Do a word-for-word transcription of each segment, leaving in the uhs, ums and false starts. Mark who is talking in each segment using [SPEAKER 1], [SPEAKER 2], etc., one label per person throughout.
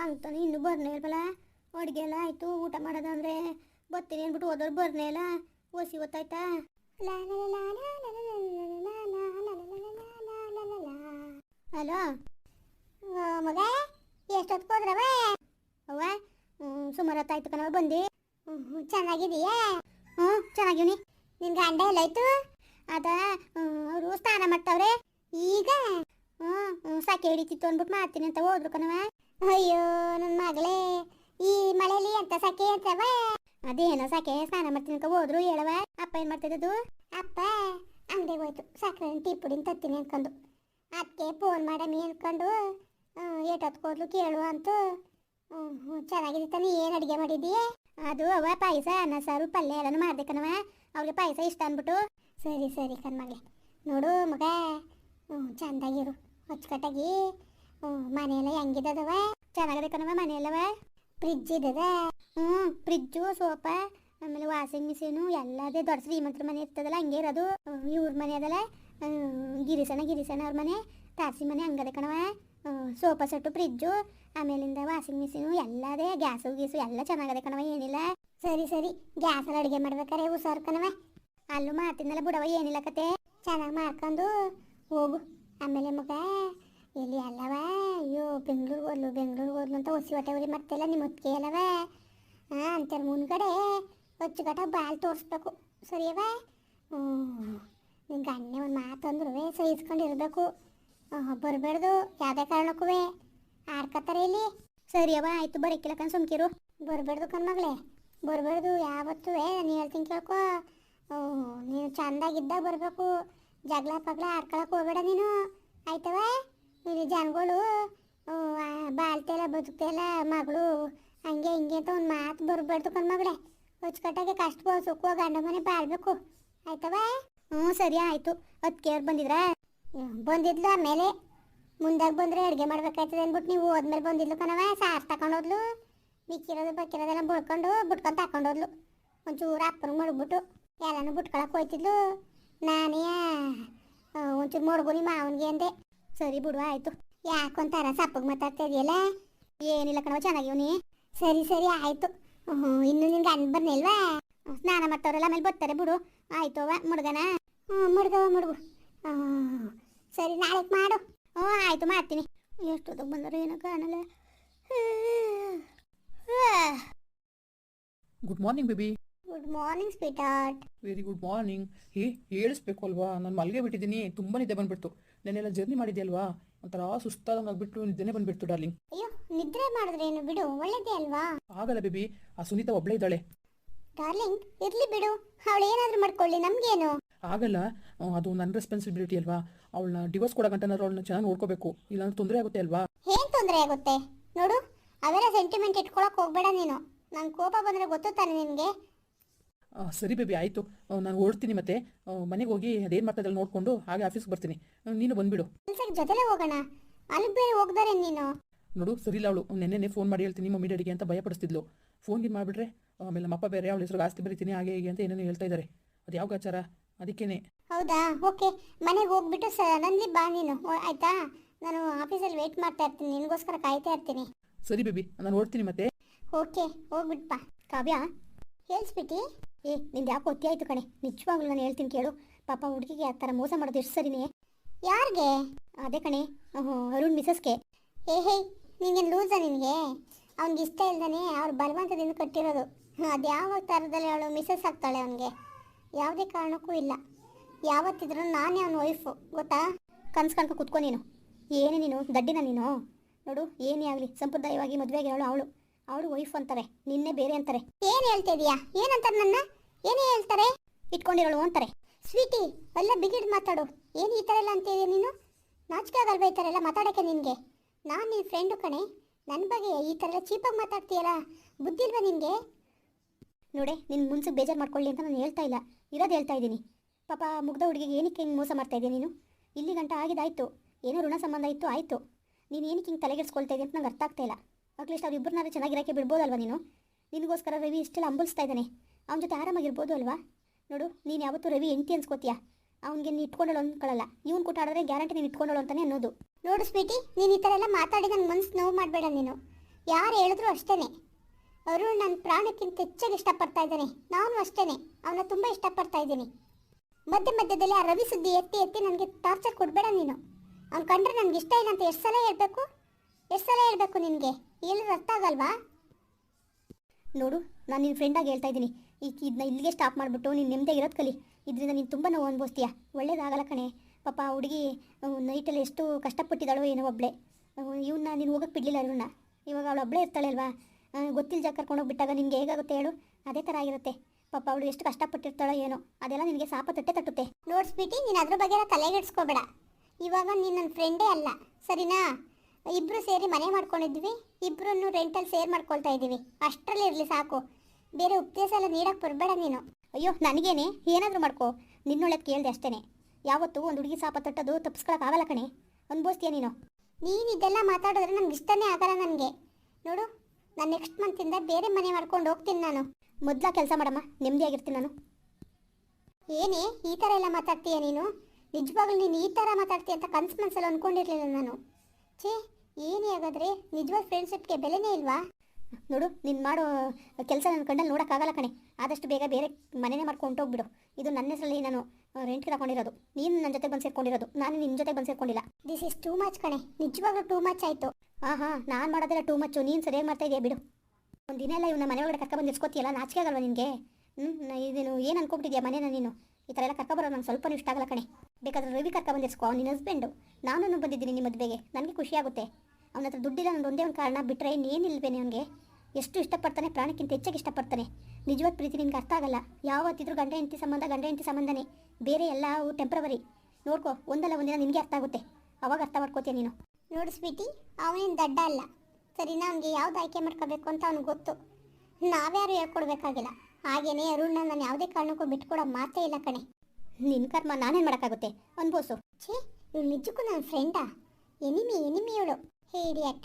[SPEAKER 1] ಅಂತಾನೆ ಇನ್ನೂ ಬರ್ನೇ ಇಲ್ವಲ್ಲ. ಅಡುಗೆ ಎಲ್ಲ ಆಯಿತು, ಊಟ ಮಾಡೋದಂದ್ರೆ ಬರ್ತೀನಿ ಅಂದ್ಬಿಟ್ಟು ಹೋದವ್ರು ಬರ್ನೇ ಇಲ್ಲ. ಓಸಿ ಗೊತ್ತಾಯ್ತಾ? ಹಲೋ ಮಗ, ಎಷ್ಟೊತ್ತು ಹೋದ್ರವ? ಅವ್ವ ಸುಮಾರು ಹೊತ್ತಾಯ್ತು ಕಣವ ಬಂದು. ಹ್ಞೂ ಚೆನ್ನಾಗಿದೀಯಾ? ಹ್ಞೂ ಚೆನ್ನಾಗಿವ್ನಿ. ನಿನ್ನ ಗಂಡ ಎಲ್ಲಾಯ್ತು? ಅದ ಅವರು ಸ್ನಾನ ಮಾಡ್ತಾವ್ರೆ ಈಗ. ಹ್ಞೂ ಹ್ಞೂ ಸಾಕೆ ಹಿಡಿತಿತ್ತು ಅಂದ್ಬಿಟ್ಟು ಮಾಡ್ತೀನಿ ಅಂತ ಹೋದ್ರು ಕಣವ. ಅಯ್ಯೋ ನನ್ನ ಮಗಳೇ, ಈ ಮಳೆಯಲ್ಲಿ ಎಂತ ಸಾಕೆ ಅಂತವ? ಅದೇನೋ ಸಾಕೆ ಸ್ನಾನ ಮಾಡ್ತೀನಿ ಅಂತ ಹೋದ್ರು ಹೇಳವ. ಅಪ್ಪ ಏನು ಮಾಡ್ತಿದ್ದದು? ಅಪ್ಪ ಅಂಗಡಿಗೆ ಹೋಯ್ತು, ಸಕ್ಕರೆ ಟೀ ಪುಡಿನ ತತ್ತೀನಿ ಅನ್ಕೊಂಡು. ಅದಕ್ಕೆ ಫೋನ್ ಮಾಡಮಿ ಅನ್ಕೊಂಡು ಏಟೊತ್ತು ಹೋದ್ಲು ಕೇಳು ಅಂತ. ಹ್ಞೂ ಹ್ಞೂ ಚೆನ್ನಾಗಿದೆ ತಾನೆ. ಏನು ಅಡುಗೆ ಮಾಡಿದ್ದೀಯ? ಅದು ಅವ ಪಾಯಸ, ಅನ್ನ ಸಾರು ಪಲ್ಯ ಎಲ್ಲನೂ ಮಾಡಿದೆ ಕಣವ. ಅವ್ರಿಗೆ ಪಾಯಸ ಇಷ್ಟ ಅಂದ್ಬಿಟ್ಟು. ಸರಿ ಸರಿ ಕಣ್ಮಗಳೇ. ನೋಡು ಮಗ, ಹ್ಞೂ ಚೆಂದಾಗಿರು, ಅಚ್ಚುಕಟ್ಟಾಗಿ. ಹ್ಞೂ ಮನೆಯೆಲ್ಲ ಹೆಂಗಿದ್ದದವ? ಚೆನ್ನಾಗಿದೆ ಕಣವ ಮನೆಯಲ್ಲವ. ಫ್ರಿಜ್ ಇದ್ದದ? ಹ್ಞೂ ಫ್ರಿಜ್ಜು, ಸೋಫಾ, ಆಮೇಲೆ ವಾಷಿಂಗ್ ಮಿಷಿನು ಎಲ್ಲದೇ. ದೊಡ್ಡ ಶ್ರೀಮಂತರ ಮನೆ ಇರ್ತದಲ್ಲ ಹಂಗೆ ಇರೋದು. ಇವ್ರ ಮನೆ ಅದಲ್ಲ, ಗಿರಿಸಣ ಗಿರಿಸಣ ಅವ್ರ ಮನೆ, ತಾರಸಿ ಮನೆ ಹಂಗದೆ ಕಣವ. ಸೋಫಾ ಸೆಟ್ಟು, ಫ್ರಿಜ್ಜು, ಆಮೇಲಿಂದ ವಾಷಿಂಗ್ ಮಿಷಿನು ಎಲ್ಲದೇ. ಗ್ಯಾಸು ಗೀಸು ಎಲ್ಲ ಚೆನ್ನಾಗದೆ ಕಣವ, ಏನಿಲ್ಲ. ಸರಿ ಸರಿ, ಗ್ಯಾಸಲ್ಲಿ ಅಡುಗೆ ಮಾಡ್ಬೇಕಾರೆ ಹುಷಾರು ಕಣವ. ಅಲ್ಲೂ ಮಾಡ್ತಿದ್ನಲ್ಲ ಬಿಡವ, ಏನಿಲ್ಲ ಕತೆ. ಚೆನ್ನಾಗಿ ಮಾಡ್ಕೊಂಡು ಹೋಗು. ಆಮೇಲೆ ಮಗ ಎಲ್ಲಿ ಅಲ್ಲವ? ಅಯ್ಯೋ ಬೆಂಗ್ಳೂರಿಗೆ ಹೋದ್ಲು ಬೆಂಗ್ಳೂರಿಗೆ ಹೋದ್ಲು ಅಂತ ಹೊಸಿ ಹೊಟ್ಟೆ ಉರಿ ಮಾಡ್ತಿಲ್ಲ ನಿಮ್ಮ ಹೊತ್ತಿಗೆ ಅಲ್ಲವ. ಹಾಂ ಅಂತಾರೆ ಮುಂದ್ಗಡೆ ಅಚ್ಚುಕಟ್ಟ ಬಾಲ್ ತೋರಿಸ್ಬೇಕು, ಸರಿಯವ? ಹ್ಞೂ ನಿನ್ನ ಗಣ್ಣೆ ಒಂದು ಮಾತಂದ್ರೂ ಸಹಿಸ್ಕೊಂಡಿರ್ಬೇಕು. ಬರಬೇಡ್ದು ಯಾವುದೇ ಕಾರಣಕ್ಕೂ. ಆಡ್ಕತ್ತಾರೆ ಇಲ್ಲಿ. ಸರಿಯವ ಆಯಿತು, ಬರೋಕ್ಕಿಲ್ಲ ಕಣ್ ಸುಮ್ಕಿರು. ಬರಬೇಡ್ದು ಕಣ್ಮಗಳೇ, ಬರಬೇಡ್ದು ಯಾವತ್ತೂ. ನಾನು ಹೇಳ್ತೀನಿ ಕೇಳ್ಕೊ. ನೀನು ಚೆಂದಾಗಿದ್ದಾಗ ಬರಬೇಕು. ಜಗಳ ಪಗಳ ಆಡ್ಕೊಳಕ್ಕೆ ಹೋಗ್ಬೇಡ ನೀನು, ಆಯ್ತವ? ಇಲ್ಲಿ ಜನಗಳು ಬಾಳ್ತೆಲ್ಲ ಬದುಕ್ತೆಲ್ಲ ಮಗಳು ಹಂಗೆ ಹಿಂಗೆ ಅಂತ ಒಂದು ಮಾತು ಬರಬಾರ್ದು ಕಣ್ಮಗಳೇ. ಅಚ್ಚುಕಟ್ಟಾಗೆ ಕಷ್ಟ ಸುಖ ಗಂಡ ಮನೆ ಬಾಳ್ಬೇಕು, ಆಯ್ತವ? ಹ್ಞೂ ಸರಿ ಆಯಿತು. ಅದಕ್ಕೆ ಅವ್ರು ಬಂದಿದ್ರಾ? ಬಂದಿದ್ಲು. ಆಮೇಲೆ ಮುಂದಾಗ ಬಂದರೆ ಅಡುಗೆ ಮಾಡ್ಬೇಕಾಯ್ತದೆ ಅಂದ್ಬಿಟ್ಟು ನೀವು ಹೋದ್ಮೇಲೆ ಬಂದಿದ್ಲು ಕಣವ. ಸಾರು ತಗೊಂಡೋದ್ಲು, ಮಿಕ್ಕಿರೋದು ಬಕ್ಕಿರೋದೆಲ್ಲ ಬಳ್ಕೊಂಡು ಬಿಟ್ಕೊಂಡು ತಗೊಂಡೋದ್ಲು. ಒಂಚೂರು ಅಪ್ಪನಿಗೆ ಮಡಗ್ಬಿಟ್ಟು ಎಲ್ಲನೂ ಬಿಟ್ಕೊಳಕ್ಕೆ ಹೋಯ್ತಿದ್ಲು. ನಾನೇ ಒಂಚೂರು ಮಡಗು ನಿಮ್ಮ ಮಾವನಿಗೆ ಅಂದೆ. ಸರಿ ಬಿಡುವ ಆಯಿತು. ಯಾಕೊಂತಾರ ಸಪ್ಪಗೆ ಮಾತಾಡ್ತಾ ಇದೆಯಲ್ಲ? ಏನಿಲ್ಲ ಕಣವ, ಚೆನ್ನಾಗಿವ್ನಿ. ಸರಿ ಸರಿ ಆಯಿತು. ಹ್ಞೂ ಇನ್ನು ನಿನ್ಗೆ ಗಂಡ ಬರ್ನಿಲ್ವಾ? ಸ್ನಾನ ಮಾಡ್ತವ್ರಲ್ಲ, ಆಮೇಲೆ ಬರ್ತಾರೆ ಬಿಡು. ಆಯಿತು ಅವ ಮುಡ್ಗನ? ಹ್ಞೂ ಮುಡ್ಗವ ಮುಡುಗು. ಹ್ಞೂ ಸರಿ ನಾಳೆಗೆ ಮಾಡು. ಹ್ಞೂ ಆಯಿತು ಮಾಡ್ತೀನಿ. ಎಷ್ಟೊತ್ತಿಗೆ ಬಂದರು ಏನೋ ಕಾಣಲ್ಲ.
[SPEAKER 2] Good morning baby.
[SPEAKER 1] Good morning sweetheart.
[SPEAKER 2] Very good morning. Hey ಹೇಳಿಸ್ಬೇಕು ಅಲ್ವಾ, ನಾನು ಮಲ್ಗೆ ಬಿಟ್ಟಿದ್ದೀನಿ, ತುಂಬ ನಿದ್ದೆ ಬಂದುಬಿಡ್ತು. ನೆನ್ನೆಲ್ಲ ಜರ್ನಿ ಮಾಡಿದ್ಯಲ್ವಾ, ಒಂಥರ ಸುಸ್ತಾದಂಗೆ ಆಗಿಬಿಟ್ಟು ನಿದ್ದೆನೇ ಬಂದುಬಿಡ್ತು ಡಾರ್ಲಿಂಗ್.
[SPEAKER 1] ಅಯ್ಯೋ ನಿದ್ರೆ ಮಾಡಿದ್ರೇನು ಬಿಡು, ಒಳ್ಳೇದೇ ಅಲ್ವಾ?
[SPEAKER 2] ಆಗಲ್ಲ ಬೇಬಿ, ಆ ಸುನೀತಾ ಒಬ್ಬಳೇ ಇದ್ದಾಳೆ.
[SPEAKER 1] ಡಾರ್ಲಿಂಗ್ ಇರ್ಲಿ ಬಿಡು, ಅವಳು ಏನಾದರೂ ಮಾಡ್ಕೊಳ್ಳಿ, ನಮಗೇನು?
[SPEAKER 2] ಆಗಲ್ಲ, ಅದು ನನ್ನ ರೆಸ್ಪಾನ್ಸಿಬಿಲಿಟಿ ಅಲ್ವಾ. ಅವಳನ್ನ ಡಿವೋರ್ಸ್ ಕೊಡೋಗಂಟನಾದ್ರು ಅವಳನ್ನ ಚೆನ್ನಾಗಿ ನೋಡ್ಕೋಬೇಕು, ಇಲ್ಲಾಂದ್ರೆ ತೊಂದರೆ ಆಗುತ್ತೆ ಅಲ್ವಾ?
[SPEAKER 1] ಏನು ತೊಂದರೆ ಆಗುತ್ತೆ ನೋಡು, ಅವೆಲ್ಲ ಸೆಂಟಿಮೆಂಟ್ ಇಟ್ಕೊಳಕ್ಕೆ ಹೋಗ್ಬೇಡ ನೀನು. ನಂಗೆ ಕೋಪ ಬಂದರೆ ಗೊತ್ತು ತಾನೆ ನಿನಗೆ.
[SPEAKER 2] ಸರಿ ಬೇಬಿ ಆಯಿತು, ನಾನು ಓಡ್ತೀನಿ. ಮತ್ತೆ ಮನೆಗೆ ಹೋಗಿ ಅದೇನು ಮಾಡ್ತಾ ನೋಡಿಕೊಂಡು ಹಾಗೆ ಆಫೀಸ್ಗೆ ಬರ್ತೀನಿ, ನೀನು ಬಂದುಬಿಡು.
[SPEAKER 1] ಕೆಲ್ಸಕ್ಕೆ ಜೊತೆಲೇ ಹೋಗೋಣ, ಅಲ್ಲಿ ಬೇರೆ ಹೋಗ್ದಾರೆ ನೀನು.
[SPEAKER 2] ನೋಡು ಸರಿಲ್ಲ, ಅವಳು ನೆನ್ನೆ ಫೋನ್ ಮಾಡಿ ಹೇಳ್ತೀನಿ ಮಮ್ಮಿ ಡ್ಯಾಡಿಗೆ ಅಂತ ಭಯಪಡಿಸ್ತಿದ್ಲು. ಫೋನ್ಗೆ ಮಾಡಿಬಿಟ್ರೆ ಆಮೇಲೆ ನಮ್ಮಪ್ಪ ಬೇರೆ ಅವಳ ಹೆಸರು ಆಸ್ತಿ ಬರೀತೀನಿ ಹಾಗೆ ಹೀಗೆ ಅಂತ ಏನೇನು ಹೇಳ್ತಾ ಇದ್ದಾರೆ. ಅದು ಯಾವ ಗಾಚಾರ, ಅದಕ್ಕೇನೆ.
[SPEAKER 1] ಹೌದಾ, ಓಕೆ. ಮನೆಗೆ ಹೋಗ್ಬಿಟ್ಟು ಸಡನ್ಲಿ ಬಾ ನೀನು, ಆಯಿತಾ? ನಾನು ಆಫೀಸಲ್ಲಿ ವೆಯ್ಟ್ ಮಾಡ್ತಾ ಇರ್ತೀನಿ, ನಿನಗೋಸ್ಕರ ಕಾಯ್ತಾ ಇರ್ತೀನಿ.
[SPEAKER 2] ಸರಿ ಬೇಬಿ, ನಾನು ಓಡ್ತೀನಿ ಮತ್ತೆ.
[SPEAKER 1] ಓಕೆ ಹೋಗ್ಬಿಟ್ಪ. ಕಾವ್ಯ ಹೇಳ್ಸ್ಬಿಟ್ಟು. ಏ ನಿಂದು ಯಾಕೆ ಒತ್ತಿ ಆಯಿತು ಕಣೆ, ನಿಜವಾಗ್ಲೂ ನಾನು ಹೇಳ್ತೀನಿ ಕೇಳು. ಪಾಪ ಹುಡುಗಿಗೆ ಆ ಥರ ಮೋಸ ಮಾಡೋದು ಎಷ್ಟು ಸರಿನೇ? ಯಾರಿಗೆ? ಅದೇ ಕಣೆ, ಅರುಣ್ ಮಿಸಸ್ಗೆ. ಏ ಹೇ ನಿಂಗೇನು ಲೂಸಾ ನಿನಗೆ? ಅವ್ನಿಗೆ ಇಷ್ಟ ಇಲ್ದಾನೆ ಅವ್ರು ಬಲವಂತದಿಂದ ಕಟ್ಟಿರೋದು. ಅದು ಯಾವ ಥರದಲ್ಲಿ ಅವಳು ಮಿಸಸ್ ಆಗ್ತಾಳೆ ಅವನಿಗೆ? ಯಾವುದೇ ಕಾರಣಕ್ಕೂ ಇಲ್ಲ. ಯಾವತ್ತಿದ್ರೂ ನಾನೇ ಅವನ ವೈಫು, ಗೊತ್ತಾ? ಕನ್ಸು ಕಣ್ಕೊ ಕುತ್ಕೊ ನೀನು. ಏನೇ ನೀನು ದಡ್ಡಿನ ನೀನು? ನೋಡು ಏನೇ ಆಗಲಿ ಸಂಪ್ರದಾಯವಾಗಿ ಮದುವೆ ಆಗಿರೋಳು ಅವಳು, ಅವಳು ವೈಫ್ ಅಂತಾರೆ, ನಿನ್ನೆ ಬೇರೆ ಅಂತಾರೆ. ಏನು ಹೇಳ್ತಾ ಇದೀಯಾ? ಏನಂತಾರೆ ನನ್ನ? ಏನೇ ಹೇಳ್ತಾರೆ? ಇಟ್ಕೊಂಡಿರೋಳು ಅಂತಾರೆ. ಸ್ವೀಟಿ ಎಲ್ಲ ಬಿಗಿಡ್ ಮಾತಾಡು. ಏನು ಈ ಥರ ಎಲ್ಲ ಅಂತಿದೀಯ ನೀನು? ನಾಚಿಕೆ ಆಗಲ್ವ ಈ ಥರ ಎಲ್ಲ ಮಾತಾಡೋಕ್ಕೆ ನಿನಗೆ? ನಾನು ನಿನ್ನ ಫ್ರೆಂಡು ಕಣೆ, ನನ್ನ ಬಗ್ಗೆ ಈ ಥರ ಎಲ್ಲ ಚೀಪಾಗಿ ಮಾತಾಡ್ತೀಯಲ್ಲ, ಬುದ್ಧಿ ಇಲ್ವಾ ನಿನಗೆ? ನೋಡೆ ನಿನ್ನ ಮುನ್ಸಿಗೆ ಬೇಜಾರು ಮಾಡ್ಕೊಳ್ಳಿ ಅಂತ ನಾನು ಹೇಳ್ತಾ ಇಲ್ಲ, ಇರೋದು ಹೇಳ್ತಾ ಇದ್ದೀನಿ. ಪಾಪ ಮುಗ್ಧ ಹುಡುಗಿಗೆ ಏನಕ್ಕೆ ಹಿಂಗೆ ಮೋಸ ಮಾಡ್ತಾ ಇದೆಯಾ ನೀನು? ಇಲ್ಲಿ ಗಂಟ ಆಗಿದ್ದಾಯ್ತು, ಏನೋ ಋಣ ಸಂಬಂಧ ಇತ್ತು ಆಯಿತು. ನೀನು ಏನಕ್ಕೆ ಹಿಂಗೆ ತಲೆಗೆಡ್ಸ್ಕೊಳ್ತಾ ಇದೆಯಾ ಅಂತ ನಂಗೆ ಅರ್ಥ ಆಗ್ತಾ ಇಲ್ಲ. ಅಟ್ಲೀಸ್ಟ್ ಅವ್ರು ಇಬ್ಬರನ್ನಾರು ಚೆನ್ನಾಗಿರೋಕ್ಕೆ ಬಿಡ್ಬೋದಲ್ವ ನೀನು? ನಿನಗೋಸ್ಕರ ರವಿ ಇಷ್ಟೆಲ್ಲ ಅಂಬಲಿಸ್ತಾ ಇದ್ದಾನೆ, ಅವನ ಜೊತೆ ಆರಾಮಾಗಿರ್ಬೋದು ಅಲ್ವಾ? ನೋಡು ನೀನು ಯಾವತ್ತೂ ರವಿ ಎಂಟಿ ಅನ್ಸ್ಕೋತೀಯಾ, ಅವ್ನಿಗೆ ನೀನು ಇಟ್ಕೊಂಡಳು ಅಂದ್ಕೊಳ್ಳಲ್ಲ. ಇವ್ನು ಕೂಟಾಡಿದ್ರೆ ಗ್ಯಾರಂಟಿ ನೀನು ಇಟ್ಕೊಂಡಳು ಅಂತಲೇ ಅನ್ನೋದು. ನೋಡು ಸ್ವೀಟಿ, ನೀನು ಈ ಥರ ಎಲ್ಲ ಮಾತಾಡಿ ನನ್ನ ಮನ್ಸು ನೋವು ಮಾಡಬೇಡ ನೀನು. ಯಾರು ಹೇಳಿದ್ರು ಅಷ್ಟೇನೆ. ಅರುಣ್ ನನ್ನ ಪ್ರಾಣಕ್ಕಿಂತ ಹೆಚ್ಚಾಗಿ ಇಷ್ಟಪಡ್ತಾ ಇದ್ದಾನೆ. ನಾನು ಅಷ್ಟೇನೆ, ಅವನ ತುಂಬ ಇಷ್ಟಪಡ್ತಾ ಇದ್ದೀನಿ. ಮಧ್ಯ ಮಧ್ಯದಲ್ಲಿ ಆ ರವಿ ಸುದ್ದಿ ಎತ್ತಿ ಎತ್ತಿ ನನಗೆ ಟಾರ್ಚರ್ ಕೊಡಬೇಡ ನೀನು. ಅವ್ನು ಕಂಡ್ರೆ ನನಗೆ ಇಷ್ಟ ಇಲ್ಲ ಅಂತ ಎಷ್ಟು ಸಲ ಹೇಳಬೇಕು ಎಷ್ಟು ಸಲ ಹೇಳಬೇಕು ನಿನಗೆ? ಹೇಳಿದ್ರೆ ಅರ್ಥ ಆಗಲ್ವಾ? ನೋಡು, ನಾನು ನಿನ್ನ ಫ್ರೆಂಡಾಗಿ ಹೇಳ್ತಾ ಇದ್ದೀನಿ. ಈಗ ಇದನ್ನ ಇಲ್ಲಿಗೆ ಸ್ಟಾಪ್ ಮಾಡಿಬಿಟ್ಟು ನೀನು ನೆಮ್ಮದಿಯಾಗಿ ಇರೋದು ಕಲಿ. ಇದರಿಂದ ನೀನು ತುಂಬ ನೋವು ಅನುಭವಿಸ್ತೀಯ. ಒಳ್ಳೇದಾಗಲ್ಲ ಕಣೆ. ಪಾಪ ಆ ಹುಡುಗಿ ನೈಟಲ್ಲಿ ಎಷ್ಟು ಕಷ್ಟಪಟ್ಟಿದ್ದಾಳೋ ಏನೋ ಒಬ್ಬಳೆ. ಇವನ್ನ ನೀನು ಹೋಗಕ್ಕೆ ಬಿಡಲಿಲ್ಲ ಇವನ್ನ. ಇವಾಗ ಅವಳು ಒಬ್ಬಳೇ ಇರ್ತಾಳೆ ಅಲ್ವಾ? ಗೊತ್ತಿಲ್ಲ ಜಾಗ ಕರ್ಕೊಂಡೋಗ್ಬಿಟ್ಟಾಗ ನಿನಗೆ ಹೇಗಾಗುತ್ತೆ ಹೇಳು? ಅದೇ ಥರ ಆಗಿರುತ್ತೆ. ಪಾಪ ಅವಳು ಎಷ್ಟು ಕಷ್ಟಪಟ್ಟಿರ್ತಾಳೋ ಏನೋ, ಅದೆಲ್ಲ ನಿನಗೆ ಸಾಪ ತಟ್ಟೆ ತಟ್ಟುತ್ತೆ. ನೋಡ್ಸ್ಬಿಟ್ಟು ನೀನು ಅದ್ರ ಬಗ್ಗೆ ತಲೆಗೆಡ್ಸ್ಕೋಬೇಡ. ಇವಾಗ ನೀನು ನನ್ನ ಫ್ರೆಂಡೇ ಅಲ್ಲ, ಸರಿನಾ? ಇಬ್ಬರು ಸೇರಿ ಮನೆ ಮಾಡ್ಕೊಂಡಿದ್ವಿ, ಇಬ್ಬರನ್ನು ರೆಂಟಲ್ಲಿ ಸೇರ್ ಮಾಡ್ಕೊಳ್ತಾ ಇದ್ದೀವಿ. ಅಷ್ಟರಲ್ಲಿ ಇರಲಿ ಸಾಕು. ಬೇರೆ ಉಪದೇಶ ಎಲ್ಲ ನೀಡಕ್ಕೆ ಬರಬೇಡ ನೀನು. ಅಯ್ಯೋ ನನಗೇನೆ, ಏನಾದರೂ ಮಾಡ್ಕೋ. ನಿನ್ನೊಳಗೆ ಕೇಳಿದೆ ಅಷ್ಟೇ. ಯಾವತ್ತೂ ಒಂದು ಹುಡುಗಿ ಸಾಪ ತಟ್ಟೋದು ತಪ್ಪಿಸ್ಕೊಳಕ್ಕಾಗಲ್ಲ ಕಣೆ. ಅನ್ಬೋಸ್ತೀಯ ನೀನು. ನೀನು ಇದೆಲ್ಲ ಮಾತಾಡಿದ್ರೆ ನನಗೆ ಇಷ್ಟನೇ ಆಗಲ್ಲ. ನನಗೆ ನೋಡು, ನಾನು ನೆಕ್ಸ್ಟ್ ಮಂತಿಂದ ಬೇರೆ ಮನೆ ಮಾಡ್ಕೊಂಡು ಹೋಗ್ತೀನಿ. ನಾನು ಮೊದಲ ಕೆಲಸ ಮಾಡಮ್ಮ, ನೆಮ್ಮದಿಯಾಗಿರ್ತೀನಿ ನಾನು. ಏನೇ ಈ ಥರ ಎಲ್ಲ ಮಾತಾಡ್ತೀಯ ನೀನು? ನಿಜವಾಗ್ಲೂ ನೀನು ಈ ಥರ ಮಾತಾಡ್ತೀಯ ಅಂತ ಕನ್ಸು ಮನಸ್ಸಲ್ಲಿ ಅಂದ್ಕೊಂಡಿರಲಿಲ್ಲ ನಾನು. ಛೇ, ಏನೇ ಆಗಾದ್ರೆ ನಿಜವಾದ ಫ್ರೆಂಡ್ಶಿಪ್ಗೆ ಬೆಲೆನೇ ಇಲ್ವಾ? ನೋಡು, ನೀನು ಮಾಡೋ ಕೆಲಸ ನನ್ನ ಕಣ್ಣಲ್ಲಿ ನೋಡೋಕ್ಕಾಗಲ್ಲ ಕಣೆ. ಆದಷ್ಟು ಬೇಗ ಬೇರೆ ಮನೆಯೇ ಮಾಡ್ಕೊಂಡು ಹೋಗ್ಬಿಡು. ಇದು ನನ್ನ ಹೆಸರಲ್ಲಿ ನಾನು ರೆಂಟ್ಗೆ ತಗೊಂಡಿರೋದು. ನೀನು ನನ್ನ ಜೊತೆ ಬಂದು ಸೇರ್ಕೊಂಡಿರೋದು, ನಾನು ನಿನ್ನ ಜೊತೆ ಬಂದು ಸೇರ್ಕೊಂಡಿಲ್ಲ. ದಿಸ್ ಇಸ್ ಟೂ ಮಚ್ ಕಣೆ. ನಿಜವಾಗ್ಲೂ ಟೂ ಮಚ್ ಆಯಿತು. ಹಾಂ ಹಾಂ, ನಾನು ಮಾಡೋದೆಲ್ಲ ಟೂ ಮಚ್ಚು. ನೀನು ಸರಿಯಾಗಿ ಮಾಡ್ತಾ ಇದೆಯಾ ಬಿಡು. ಒಂದು ದಿನ ಎಲ್ಲ ಇವನ್ನ ಮನೆ ಒಳಗಡೆ ಕರ್ಕೊಬಂದು ಇರ್ಸ್ಕೊತೀಯಲ್ಲ, ನಾಚಿಕೆ ಆಗಲ್ವಾ ನಿನಗೆ? ಹ್ಞೂ, ಇದೇನು ಏನು ಅನ್ಕೊಬಿಟ್ಟಿದ್ಯಾ ಮನೇನ ನೀನು? ಈ ಥರ ಎಲ್ಲ ಕರ್ಕೊಬರೋದು ನಂಗೆ ಸ್ವಲ್ಪ ಇಷ್ಟ ಆಗಲ್ಲ ಕಣೆ. ಬೇಕಾದ್ರೆ ರವಿ ಕರ್ಕೊಬಂದಿರ್ಸ್ಕೊ, ನಿನ್ನ ಹಸ್ಬೆಂಡು. ನಾನು ಬಂದಿದ್ದೀನಿ ನಿಮ್ಮ ಮದುವೆಗೆ, ನನಗೆ ಖುಷಿ ಆಗುತ್ತೆ. ಅವನ ಹತ್ರ ದುಡ್ಡಿಲ್ಲ, ನನ್ನ ಒಂದೇ ಒಂದು ಕಾರಣ ಬಿಟ್ಟರೆ ಇನ್ನೇನಿಲ್ವೇನೆ. ಅವನಿಗೆ ಎಷ್ಟು ಇಷ್ಟಪಡ್ತಾನೆ, ಪ್ರಾಣಕ್ಕಿಂತ ಹೆಚ್ಚಾಗಿ ಇಷ್ಟಪಡ್ತಾನೆ. ನಿಜವಾದ ಪ್ರೀತಿ ನಿನ್ಗೆ ಅರ್ಥ ಆಗಲ್ಲ. ಯಾವತ್ತಿದ್ರೂ ಗಂಡ ಹೆಂಡತಿ ಸಂಬಂಧ ಗಂಡ ಹೆಂಡತಿ ಸಂಬಂಧನೇ, ಬೇರೆ ಎಲ್ಲ ಟೆಂಪ್ರವರಿ. ನೋಡ್ಕೊ, ಒಂದಲ್ಲ ಒಂದಿನ ನಿನಗೆ ಅರ್ಥ ಆಗುತ್ತೆ, ಅವಾಗ ಅರ್ಥ ಮಾಡ್ಕೋತೀಯ ನೀನು. ನೋಡು ಸ್ವೀಟಿ, ಅವನೇನು ದಡ್ಡ ಅಲ್ಲ, ಸರಿನಾ? ಅವನಿಗೆ ಯಾವ್ದು ಆಯ್ಕೆ ಮಾಡ್ಕೋಬೇಕು ಅಂತ ಅವ್ನಿಗೆ ಗೊತ್ತು. ನಾವ್ಯಾರು ಹೇಳ್ಕೊಡ್ಬೇಕಾಗಿಲ್ಲ. ಹಾಗೇನೆ ಅರುಣ್ನ ನಾನು ಯಾವುದೇ ಕಾರಣಕ್ಕೂ ಬಿಟ್ಕೊಡೋ ಮಾತೇ ಇಲ್ಲ ಕಣೆ. ನಿನ್ನ ಕರ್ಮ ನಾನೇನು ಮಾಡೋಕ್ಕಾಗುತ್ತೆ? ಅನ್ಬೋಸು. ಛೇ, ಇವಳು ನಿಜಕ್ಕೂ ನನ್ನ ಫ್ರೆಂಡಾ? ಎನಿಮಿ ಎನಿಮಿ ಇವಳು. Hey idiot.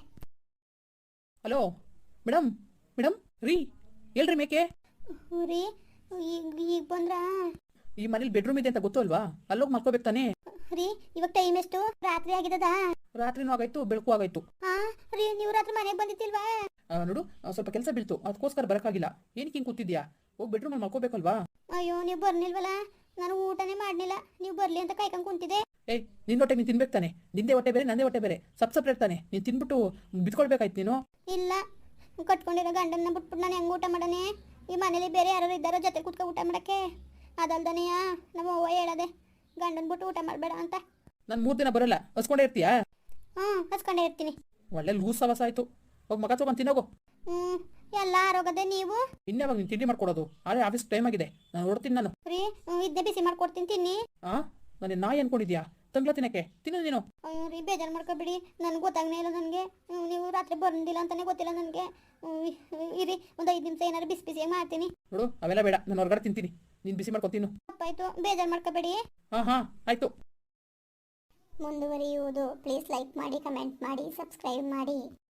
[SPEAKER 2] Hello madam, madam ರೀ, ಹೇಳ್ರಿ ಮೇಕೆ.
[SPEAKER 1] ರೀ, ಈಗ ಈಗ ಬಂದ್ರಾ?
[SPEAKER 2] ಈ ಮನೇಲಿ ಬೆಡ್ರೂಮ್ ಇದೆ ಅಂತ ಗೊತ್ತು ಅಲ್ವಾ? ಅಲ್ಲೋಗಿ ಮಲ್ಕೋಬೇಕು ತಾನೇ.
[SPEAKER 1] ರೀ, ಇವಾಗ ಟೈಮ್ ಎಷ್ಟು? ರಾತ್ರಿ ಆಗಿದ್ದದ?
[SPEAKER 2] ರಾತ್ರಿನೂ ಆಗಾಯ್ತು, ಬೆಳಕು ಆಗಾಯ್ತು.
[SPEAKER 1] ಹಾ ರೀ, ನೀವು ರಾತ್ರಿ ಮನೆಗೆ ಬಂದಿತ್ತಿಲ್ವಾ?
[SPEAKER 2] ನೋಡು, ಸ್ವಲ್ಪ ಕೆಲಸ ಬೀಳ್ತು, ಅದಕ್ಕೋಸ್ಕರ ಬರೋಕ್ಕಾಗಿಲ್ಲ. ಏನಕ್ಕೆ ಹಿಂಗೆ ಕೂತಿದ್ಯಾ? ಹೋಗಿ ಬೆಡ್ರೂಮಲ್ಲಿ ಮಲ್ಕೋಬೇಕಲ್ವಾ?
[SPEAKER 1] ಅಯ್ಯೋ, ನೀವು ಬರ್ನಿಲ್ವಲ್ಲ. ನಾನು ಊಟನೇ ಮಾಡಲಿಲ್ಲ, ನೀವು ಬರಲಿ ಅಂತ ಕಾಯ್ಕೊಂಡು ಕುಂತಿದ್ದೆ.
[SPEAKER 2] ಏಯ್, ನಿನ್ನ ಹೊಟ್ಟೆ ನೀನು ತಿನ್ಬೇಕು ತಾನೆ. ನಿಂದೇ ಹೊಟ್ಟೆ ಬೇರೆ, ನಂದೇ ಹೊಟ್ಟೆ ಬೇರೆ, ಸಪ್ ಸಪ್ರೇಟ್ ತಾನೆ. ನೀನು ತಿನ್ಬಿಟ್ಟು ಬಿತ್ಕೊಳ್ಬೇಕಾಯ್ತು ನೀನು.
[SPEAKER 1] ಇಲ್ಲ, ಕಟ್ಕೊಂಡಿರೋ ಗಂಡನ್ನ ಬಿಟ್ಬಿಟ್ಟು ನಾನು ಹೆಂಗೆ ಊಟ ಮಾಡನೆ? ಈ ಮನೇಲಿ ಬೇರೆ ಯಾರು ಇದ್ದಾರೋ ಜೊತೆ ಕೂತ್ಕೊ ಊಟ ಮಾಡೋಕ್ಕೆ? ಅದಲ್ದನೆಯಾ ನಮ್ಮ ಅವ್ವ ಹೇಳದೆ ಗಂಡನ ಬಿಟ್ಟು ಊಟ ಮಾಡಬೇಡ ಅಂತ.
[SPEAKER 2] ನಾನು ಮೂರು ದಿನ ಬರೋಲ್ಲ, ಹಸ್ಕೊಂಡೇ ಇರ್ತೀಯಾ?
[SPEAKER 1] ಹ್ಞೂ, ಹಸ್ಕೊಂಡೇ ಇರ್ತೀನಿ.
[SPEAKER 2] ಒಳ್ಳೆ ಲೂಸ್ ಸವಸ ಆಯಿತು. ಹೋಗಿ ಮಗ ತೊಗೊಂಡು ತಿನ್ನೋಗು.
[SPEAKER 1] ಹ್ಞೂ, ಎಲ್ಲ ಆರೋಗದೆ ನೀವು.
[SPEAKER 2] ಇನ್ನೇವಾಗ ನೀನು ತಿಂಡಿ ಮಾಡ್ಕೊಡೋದು? ಆದ್ರೆ ಆಫೀಸ್ ಟೈಮ್ ಆಗಿದೆ, ನಾನು ಹೊರಡ್ತೀನಿ ನಾನು.
[SPEAKER 1] ರೀ, ಇದ್ದೇ ಬಿಸಿ ಮಾಡ್ಕೊಡ್ತೀನಿ, ತಿನ್ನಿ.
[SPEAKER 2] ಹಾಂ, ನಾನು ನಾಯಿ ಅನ್ಕೊಂಡಿದ್ಯಾ? ತಂಗ್ಲ ತಿನ್ನಕ್ಕೆ ತಿನ್ನು ನೀನು.
[SPEAKER 1] ಅಯ್ಯೋ ರೀ, ಬೇಜಾರು ಮಾಡ್ಕೊಬೇಡಿ. ನನಗೆ ಗೊತ್ತಾಗನೇ ಇಲ್ಲ. ನನಗೆ ನೀವು ರಾತ್ರಿ ಬಂದಿಲ್ಲ ಅಂತಲೇ ಗೊತ್ತಿಲ್ಲ ನನಗೆ. ಇರಿ, ಒಂದು ಐದು ನಿಮಿಷ ಏನಾದ್ರು ಬಿಸಿ ಬಿಸಿಯಾಗಿ ಮಾಡ್ತೀನಿ.
[SPEAKER 2] ನೋಡು, ಅವೆಲ್ಲ ಬೇಡ, ನಾನು ಹೊರಗಡೆ ತಿಂತೀನಿ. ನೀನು ಬಿಸಿ ಮಾಡ್ಕೊತೀನಿ.
[SPEAKER 1] ತಪ್ಪಾಯ್ತು, ಬೇಜಾರು ಮಾಡ್ಕೊಬೇಡಿ.
[SPEAKER 2] ಹಾಂ ಹಾಂ, ಆಯಿತು.
[SPEAKER 1] ಮುಂದುವರಿಯುವುದು. ಪ್ಲೀಸ್ ಲೈಕ್ ಮಾಡಿ, ಕಮೆಂಟ್ ಮಾಡಿ, ಸಬ್ಸ್ಕ್ರೈಬ್ ಮಾಡಿ.